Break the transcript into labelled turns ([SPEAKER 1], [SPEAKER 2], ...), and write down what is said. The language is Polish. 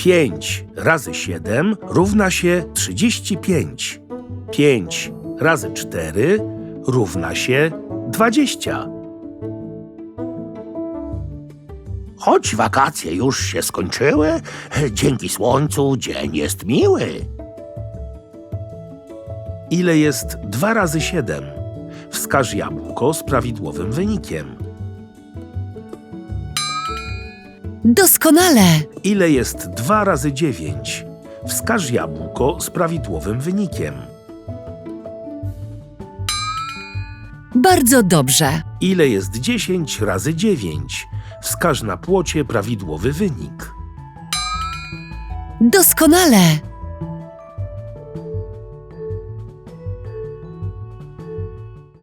[SPEAKER 1] 5 razy 7 równa się 35. 5 razy 4 równa się 20.
[SPEAKER 2] Choć wakacje już się skończyły, dzięki słońcu dzień jest miły.
[SPEAKER 1] Ile jest 2 razy 7? Wskaż jabłko z prawidłowym wynikiem.
[SPEAKER 3] Doskonale!
[SPEAKER 1] Ile jest 2 razy 9? Wskaż jabłko z prawidłowym wynikiem.
[SPEAKER 3] Bardzo dobrze.
[SPEAKER 1] Ile jest 10 razy 9? Wskaż na płocie prawidłowy wynik.
[SPEAKER 3] Doskonale!